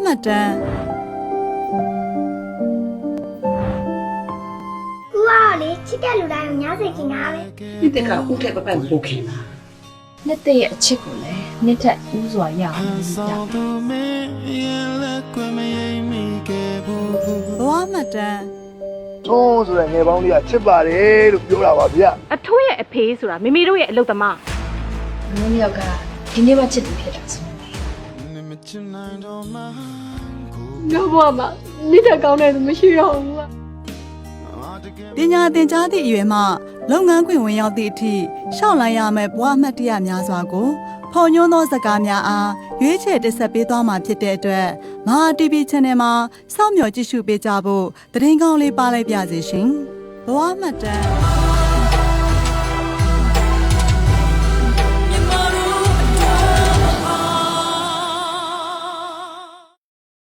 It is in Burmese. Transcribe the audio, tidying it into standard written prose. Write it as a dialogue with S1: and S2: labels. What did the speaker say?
S1: မှတ်တမ်း
S2: ကူကလေချစ်တဲ့လူတိုင်းကိုညားစိတ်ခင်တာပဲ
S3: ဒီတက်ကဦးထက်ပပပို့ခင်တာ
S4: နှစ်တဲ့ရဲ့အချစ်ကိုလည်းနှစ်ထက်ဦးစွာရအောင်လုပ်ကြ
S1: ဘဝမှတ်တမ်း
S5: ထုံးဆိုတဲ့ငယ်ပေါင်းလေးကချစ်ပါတယ်လို့ပြောတာပါဗျ
S6: အထိုးရဲ့အဖေးဆိုတာမိမိတို့ရဲ့အလုပ်သမား
S4: ငါတို့ယောက်ကဒီနေ့မှချစ်သူဖြစ်တာဆို
S7: ငါ့ဘဝမှာနိဒတ်ကောင်းတဲ့လူမရှိတော့ဘူး
S1: ပညာသင်ကြားသည့်အရွယ်မှလုပ်ငန်းခွင်ဝင်ရောက်သည့်အထိရှောက်လိုက်ရမယ့်ဘဝမှတ်တရများစွာကိုဖော်ညွှန်းသောစကားများအားရွေးချယ်တင်ဆက်ပေးသွားမှာဖြစ်တဲ့အတွက်မဟာ TV Channel မှာစောင့်မျှော်ကြည့်ရှုပေးကြဖို့သတင်းကောင်းလေးပါလိုက်ပါစေရှင်ဘဝမှတ်တမ်း